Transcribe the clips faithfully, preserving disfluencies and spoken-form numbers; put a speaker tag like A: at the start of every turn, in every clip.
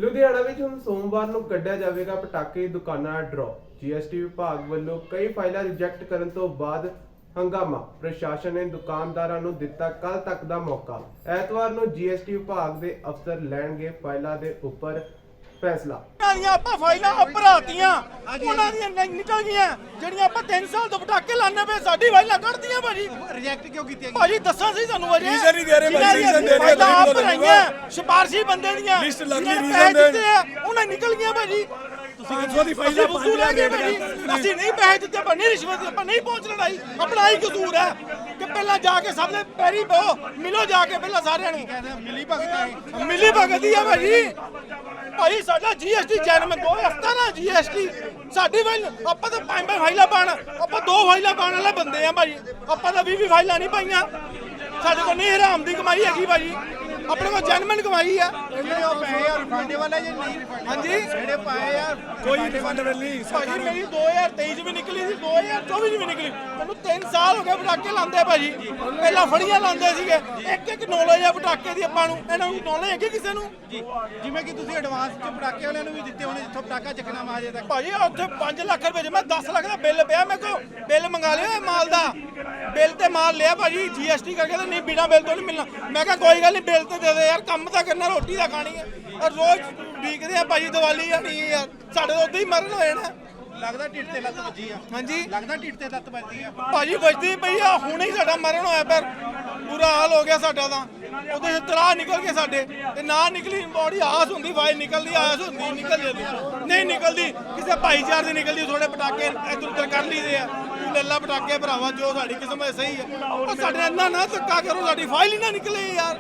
A: ਲੁਧਿਆਣਾ ਵਿੱਚ ਹੁਣ ਸੋਮਵਾਰ ਨੂੰ ਕੱਢਿਆ ਜਾਵੇਗਾ ਪਟਾਕੇ ਦੀ ਦੁਕਾਨਾਂ ਦਾ ਡਰਾਅ। ਜੀਐਸਟੀ ਵਿਭਾਗ ਵੱਲੋਂ ਕਈ ਫਾਈਲਾਂ ਰਿਜੈਕਟ ਕਰਨ ਤੋਂ ਬਾਅਦ ਹੰਗਾਮਾ। ਪ੍ਰਸ਼ਾਸਨ ਨੇ ਦੁਕਾਨਦਾਰਾਂ ਨੂੰ ਦਿੱਤਾ ਕੱਲ ਤੱਕ ਦਾ ਮੌਕਾ। ਐਤਵਾਰ ਨੂੰ ਜੀਐਸਟੀ ਵਿਭਾਗ ਦੇ ਅਫਸਰ ਲੈਣਗੇ ਫਾਈਲਾਂ ਦੇ ਉੱਪਰ ਫੈਸਲਾ।
B: ਦੀਆਂ ਆਪਾਂ ਫਾਈਲਾਂ ਭਰਾਤੀਆਂ ਉਹਨਾਂ ਦੀਆਂ ਨਹੀਂ ਨਿਕਲ ਗਈਆਂ ਜਿਹੜੀਆਂ ਆਪਾਂ ਤਿੰਨ ਸਾਲ ਤੋਂ ਪਟਾਕੇ ਲਾਣੇ ਪਏ ਸਾਡੀ ਫਾਈਲਾਂ ਕੱਢਦੀਆਂ ਭਾਜੀ।
C: ਰਿਜੈਕਟ ਕਿਉਂ ਕੀਤੀਆਂ
B: ਭਾਜੀ ਦੱਸਾਂ ਸੀ ਤੁਹਾਨੂੰ ਅਜੇ
C: ਰੀਜ਼ਨ ਨਹੀਂ ਦੇ ਰਹੇ ਭਾਜੀ, ਰੀਜ਼ਨ ਦੇ ਰਹੇ
B: ਫਾਈਲਾਂ ਆਪ
C: ਲਿਖੋ
B: ਭਰਾਈਆਂ ਸਿਫਾਰਸ਼ੀ ਬੰਦੇ ਦੀਆਂ
C: ਲਿਸਟ ਲੱਗ
B: ਜਿਹਨਾਂ
C: ਗਈ,
B: ਨੇ
C: ਰੀਜ਼ਨ
B: ਪੈਸੇ
C: ਦੇ।
B: ਦਿੱਤੇ ਆ ਉਹਨਾਂ ਨਿਕਲ ਗਈਆਂ ਭਾਜੀ।
C: ਤੁਸੀਂ ਕਿਥੋਂ ਦੀ ਫਾਈਲਾਂ
B: ਅਸੀਂ ਵਸੂਲ ਹੈਗੇ ਭਾਜੀ, ਅਸੀਂ ਨਹੀਂ ਪੈਸੇ ਦਿੱਤੇ ਆਪਾਂ ਨਹੀਂ ਰਿਸ਼ਵਤ ਆਪਾਂ ਨਹੀਂ ਪਹੁੰਚ ਲੜਾਈ ਆਪਣਾ ਹੀ ਕਸੂਰ ਹੈ ਕਿ ਪਹਿਲਾਂ ਜਾ ਕੇ ਸਭ ਨੇ ਪੈਰੀ ਪਓ ਮਿਲੋ ਜਾ ਕੇ ਪਹਿਲਾਂ ਸਾਰਿਆਂ ਨੂੰ
C: ਮਿਲੀ ਭਗਤ ਹੈ
B: ਮਿਲੀ ਭਗਤੀ ਆ ਭਾਜੀ। ਭਾਈ ਸਾਡਾ ਜੀਐਸਟੀ ਜਨਮ ਦੋ ਹਫ਼ਤਾ ਨਾ ਜੀਐਸਟੀ ਸਾਡੀ ਫਾਈਲ ਆਪਾਂ ਤਾਂ ਪੰਜ ਪੰਜ ਫਾਈਲਾਂ ਪਾਣ ਆਪਾਂ ਦੋ ਫਾਈਲਾਂ ਪਾਣ ਵਾਲੇ ਬੰਦੇ ਆ ਭਾਜੀ। ਆਪਾਂ ਤਾਂ ਵੀਹ ਵੀਹ ਫਾਈਲਾਂ ਨਹੀਂ ਪਾਈਆਂ। ਸਾਡੇ ਕੋਲ ਨਹੀਂ ਹਰਾਮ ਦੀ ਕਮਾਈ ਹੈਗੀ ਭਾਜੀ, ਆਪਣੇ ਕੋਲ ਜਨਮਨ ਕਮਾਈ ਆ।
C: ਜਿਹੜੇ ਉਹ ਪੈਸੇ ਆ ਰਿਫੰਡ ਵਾਲਾ ਜਾਂ ਨਹੀਂ ਰਿਫੰਡ
B: ਹਾਂਜੀ
C: ਜਿਹੜੇ ਪਾਏ ਆ ਕੋਈ ਰਿਫੰਡ ਨਹੀਂ
B: ਭਾਜੀ ਮੇਰੀ ਦੋ ਹਜ਼ਾਰ ਤੇਈ ਚ ਵੀ ਨਿਕਲੀ ਸੀ ਦੋ ਹਜ਼ਾਰ ਚੌਵੀ ਚ ਵੀ ਨਿਕਲੀ। ਮੈਨੂੰ ਤਿੰਨ ਸਾਲ ਹੋ ਗਏ ਪਟਾਕੇ ਲਾਉਂਦੇ ਭਾਜੀ। ਪਹਿਲਾਂ ਫੜੀਆਂ ਲਾਉਂਦੇ ਸੀਗੇ ਇੱਕ ਇੱਕ ਨੌਲੇਜ ਆ ਪਟਾਕੇ ਦੀ ਆਪਾਂ ਨੂੰ। ਇਹਨਾਂ ਨੂੰ ਨੌਲੇਜ ਹੈਗੀ ਕਿਸੇ ਨੂੰ
C: ਜੀ ਜਿਵੇਂ ਕਿ ਤੁਸੀਂ ਐਡਵਾਂਸ ਚ ਪਟਾਕੇ ਵਾਲਿਆਂ ਨੂੰ ਵੀ ਦਿੱਤੇ ਹੋਣੇ ਜਿੱਥੋਂ ਪਟਾਕਾ ਚੱਕਣਾ ਵਾ ਹਜੇ ਤੱਕ
B: ਭਾਜੀ ਉੱਥੇ ਪੰਜ ਲੱਖ ਰੁਪਏ ਚ ਮੈਂ ਦਸ ਲੱਖ ਦਾ ਬਿੱਲ ਪਿਆ ਮੇਰੇ ਕੋਲ। ਬਿੱਲ ਮੰਗਾ ਲਿਆ ਇਹ ਮਾਲ ਦਾ ਬਿੱਲ ਤੇ ਮਾਲ ਲਿਆ ਭਾਜੀ ਜੀਐਸਟੀ ਕਰਕੇ ਤਾਂ ਨਹੀਂ ਬਿਨਾ ਬਿੱਲ ਤੋਂ ਨਹੀਂ ਮਿਲਣਾ। ਮੈਂ ਕਿਹਾ ਕੋਈ ਗੱਲ ਨਹੀਂ ਬਿੱਲ ਤੇ ਦੇ ਦੇ ਯਾਰ ਕੰਮ ਤਾਂ ਕਰਨਾ ਰੋਟੀ ਤਾਂ ਖਾਣੀ ਹੈ। ਔਰ ਰੋਜ਼ ਵੀਕਦੇ ਆ ਭਾਜੀ ਦੀਵਾਲੀ ਆਣੀ ਹੈ ਯਾਰ ਸਾਡੇ ਤੋਂ ਉਦਾਂ ਹੀ ਮਰਨ ਹੋ ਜਾਣਾ।
C: ਲੱਗਦਾ ਢਿੱਡ ਤੇ ਲੱਤ ਵੱਜੀ ਆ
B: ਹਾਂਜੀ
C: ਲੱਗਦਾ ਢਿੱਡ ਤੇ ਲੱਤ ਵੱਜੀ ਆ
B: ਭਾਜੀ ਵੱਜਦੀ ਪਈ ਆ ਹੁਣੇ ਹੀ ਸਾਡਾ ਮਰਨ ਹੋਇਆ ਪਰ ਬੁਰਾ ਹਾਲ ਹੋ ਗਿਆ ਸਾਡਾ ਤਾਂ। ਉਹਦੇ ਤਰਾ ਨਿਕਲ ਗਏ ਸਾਡੇ ਤੇ ਨਾ ਨਿਕਲੀ ਬੋਡੀ ਆਸ ਹੁੰਦੀ ਵਾਈ ਨਿਕਲਦੀ ਆਸ ਹੁੰਦੀ ਨਿਕਲ ਜਾਂਦੀ ਨਹੀਂ ਨਿਕਲਦੀ ਕਿਸੇ ਭਾਈਚਾਰੇ ਦੀ ਨਿਕਲਦੀ ਥੋੜੇ ਪਟਾਕੇ ਇੱਧਰ ਉੱਧਰ ਕਰ ਲਈਦੇ ਆ। ਤੂੰ ਲੱਲਾ ਪਟਾਕੇ ਭਰਾਵਾ ਜੋ ਸਾਡੀ ਕਿਸਮਤ ਸਹੀ ਹੈ ਉਹ ਸਾਡੇ ਇੰਨਾ ਨਾ ਧੱਕਾ ਕਰੋ ਸਾਡੀ ਫਾਈਲ ਹੀ ਨਾ ਨਿਕਲੇ ਯਾਰ।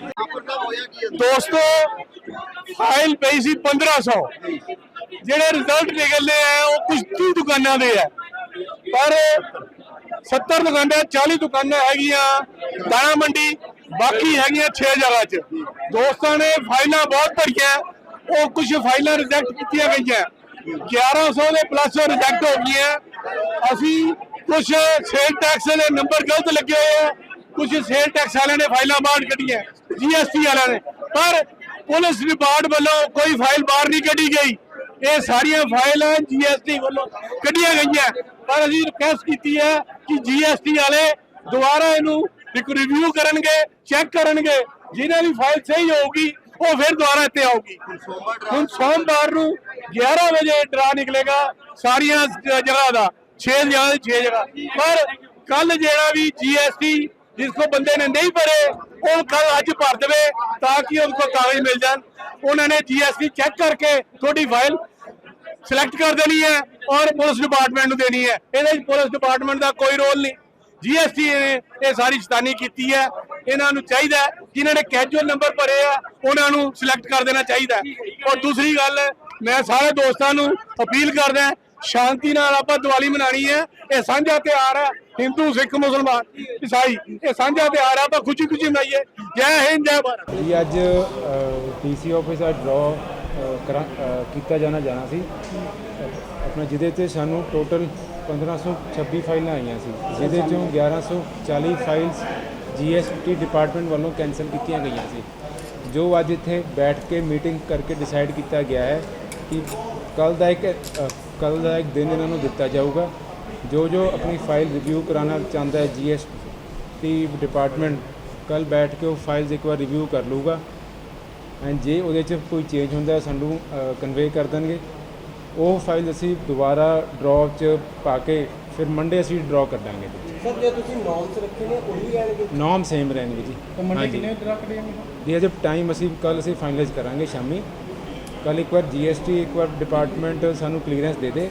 D: दोस्तों फाइल पई सी पंद्रह सौ ਜਿਹੜੇ ਰਿਜ਼ਲਟ ਨਿਕਲਦੇ ਆ ਉਹ ਕੁਝ ਤੀਹ ਦੁਕਾਨਾਂ ਦੇ ਆ ਪਰ सत्तर ਦੁਕਾਨਾਂ चालीस ਦੁਕਾਨਾਂ ਹੈਗੀਆਂ ਦਾਣਾ ਮੰਡੀ ਬਾਕੀ ਹੈਗੀਆਂ छह ਜਗ੍ਹਾ 'ਚ। ਦੋਸਤਾਂ ਨੇ ਫਾਈਲਾਂ ਬਹੁਤ ਭਰੀਆਂ ਉਹ ਕੁਝ ਫਾਈਲਾਂ ਰਿਜੈਕਟ ਕੀਤੀਆਂ ਗਈਆਂ ग्यारह सौ ਦੇ ਪਲੱਸ ਰਿਜੈਕਟ ਹੋ ਗਈਆਂ। ਅਸੀਂ ਕੁਝ ਸੇਲ ਟੈਕਸ ਦੇ ਨੰਬਰ ਗਲਤ ਲੱਗੇ ਹੋਏ ਆ ਕੁਝ ਸੇਲ ਟੈਕਸ ਵਾਲਿਆਂ ਨੇ ਫਾਈਲਾਂ ਬਾਹਰ ਕੱਢੀਆਂ जीएसटी ਵਾਲਿਆਂ ਨੇ ਪਰ ਪੁਲਿਸ ਵਿਭਾਗ ਵੱਲੋਂ ਕੋਈ ਫਾਈਲ ਬਾਹਰ ਨਹੀਂ ਕੱਢੀ ਗਈ। ਇਹ ਸਾਰੀਆਂ ਫਾਈਲਾਂ ਜੀਐਸਟੀ ਵੱਲੋਂ ਕੱਢੀਆਂ ਗਈਆਂ ਪਰ ਅਸੀਂ ਰਿਕਵੈਸਟ ਕੀਤੀ ਹੈ ਕਿ ਜੀਐਸਟੀ ਵਾਲੇ ਦੁਬਾਰਾ ਇਹਨੂੰ ਇੱਕ ਰਿਵਿਊ ਕਰਨਗੇ ਚੈੱਕ ਕਰਨਗੇ ਜਿਹਨਾਂ ਦੀ ਫਾਈਲ ਸਹੀ ਹੋਊਗੀ ਉਹ ਫਿਰ ਦੁਬਾਰਾ ਇੱਥੇ ਆਊਗੀ। ਹੁਣ ਸੋਮਵਾਰ ਨੂੰ ग्यारह ਵਜੇ ਡਰਾ ਨਿਕਲੇਗਾ ਸਾਰੀਆਂ ਜਗ੍ਹਾ ਦਾ छह ਜਗ੍ਹਾ ਦੇ छह ਜਗ੍ਹਾ ਪਰ ਕੱਲ ਜਿਹੜਾ ਵੀ ਜੀਐਸਟੀ जिसको बंदे ने नहीं भरे वो कल अज भर दे ताकि उनको कागज मिल जाए। उन्होंने जीएसटी चेक करके थोड़ी फाइल सिलेक्ट कर देनी है और पुलिस डिपार्टमेंट देनी है। ये पुलिस डिपार्टमेंट का कोई रोल नहीं। जीएसटी ने ये सारी शैतानी की है। इन्होंने चाहिए जिन्होंने कैजुअल नंबर भरे है उन्होंने सिलेक्ट कर देना चाहिए। और दूसरी गल मैं सारे दोस्तों को अपील करदा शांति नाल आपां दिवाली मनानी है। ये सांझा त्योहार है हिंदू सिख मुसलमान ईसाई ये सांझा त्योहार है। आपां खुशी खुशी मनाइए। जय हिंद जय भारत।
E: जी अज ਡੀਸੀ ਆਫਿਸ ਦਾ ਡਰਾਅ ਕਰਾ ਕੀਤਾ ਜਾਣਾ ਜਾਣਾ ਸੀ ਆਪਣਾ ਜਿਹਦੇ ਤੇ ਸਾਨੂੰ ਟੋਟਲ ਪੰਦਰਾਂ ਸੌ ਛੱਬੀ ਫਾਈਲਾਂ ਆਈਆਂ ਸੀ ਜਿਹਦੇ ਚੋਂ ਗਿਆਰਾਂ ਸੌ ਚਾਲੀ ਫਾਈਲਸ ਜੀਐਸਟੀ ਡਿਪਾਰਟਮੈਂਟ ਵੱਲੋਂ ਕੈਂਸਲ ਕੀਤੀਆਂ ਗਈਆਂ ਸੀ ਜੋ ਅੱਜ ਇੱਥੇ ਬੈਠ ਕੇ ਮੀਟਿੰਗ ਕਰਕੇ ਡਿਸਾਈਡ ਕੀਤਾ ਗਿਆ ਹੈ ਕਿ ਕੱਲ ਦਾ ਇੱਕ ਕੱਲ ਦਾ ਇੱਕ ਦਿਨ ਇਹਨਾਂ ਨੂੰ ਦਿੱਤਾ ਜਾਊਗਾ ਜੋ ਜੋ अपनी फाइल रिव्यू कराना चाहता है जीएसटी डिपार्टमेंट कल बैठ के वो फाइल्स एक बार रिव्यू कर लूगा एंड जे वो कोई चेंज होंगे सानू कन्वे कर देंगे वो फाइल असी दोबारा ड्रॉ च पा के फिर मंडे असी ड्रॉ कर देंगे
F: सर जो तुसी नॉर्म्स रखे ने वो भी रहणगे
E: नॉर्म सेम रहेंगे जी।
F: तो मंडे कितने ड्रॉ करेंगे
E: जी अजब टाइम असी कल असी फाइनलाइज करांगे शामी कल एक बार जीएसटी एक बार डिपार्टमेंट सानू क्लीयरेंस दे दे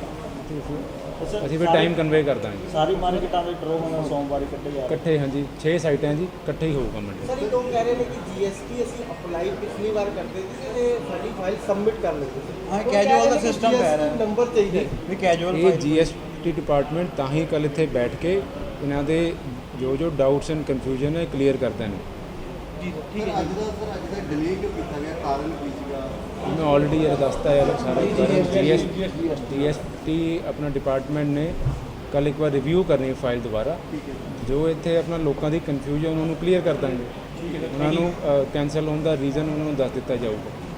E: ਅਸੀਂ ਫਿਰ ਟਾਈਮ ਕਨਵੇ ਕਰ ਦਾਂਗੇ।
F: ਸਾਰੀ ਮਾਰਕੀਟਾਂ ਦੇ ਡਰੋ ਹੋਣਾ ਸੋਮਵਾਰ ਇਕੱਠੇ ਜਾ
E: ਇਕੱਠੇ ਹਾਂਜੀ ਛੇ ਸਾਈਟਾਂ ਜੀ ਇਕੱਠੇ ਹੀ ਹੋਊਗਾ ਮੰਡੇ।
F: ਸਰ ਇਹ ਲੋਕ ਕਹਿ ਰਹੇ ਨੇ ਕਿ ਜੀਐਸਟੀ ਅਸੀਂ ਅਪਲਾਈ ਪਿਛਲੀ ਵਾਰ ਕਰਦੇ ਸੀ ਤੇ ਸਾਡੀ ਫਾਈਲ ਸਬਮਿਟ ਕਰ ਲੈਂਦੇ ਸੀ। ਹਾਂ ਕੈਜੂਅਲ ਦਾ ਸਿਸਟਮ ਪੈ ਰਿਹਾ ਨੰਬਰ ਚਾਹੀਦਾ ਵੀ ਕੈਜੂਅਲ
E: ਇਹ ਜੀਐਸਟੀ ਡਿਪਾਰਟਮੈਂਟ ਤਾਂ ਹੀ ਕੱਲ ਇੱਥੇ ਬੈਠ ਕੇ ਇਹਨਾਂ ਦੇ ਜੋ ਜੋ ਡਾਊਟਸ ਐਂਡ ਕਨਫਿਊਜ਼ਨ ਹੈ ਕਲੀਅਰ ਕਰਦੇ ਨੇ।
F: ਜੀ ਠੀਕ ਹੈ। ਅੱਜ ਦਾ ਸਰ ਅੱਜ ਦਾ ਡਿਲੇ ਕਿਉਂ ਕੀਤਾ ਗਿਆ ਕਾਰਨ ਕੀ ਸੀਗਾ?
E: मैं ऑलरेडी ये दसता है सारा जी एस टी अपना डिपार्टमेंट ने कल एक बार रिव्यू करनी फाइल दोबारा जो इतने अपना लोगों की कन्फ्यूजन उन्होंने क्लीयर कर देंगे उन्होंने कैंसल होने का रीजन उन्होंने दस दिता जाऊगा।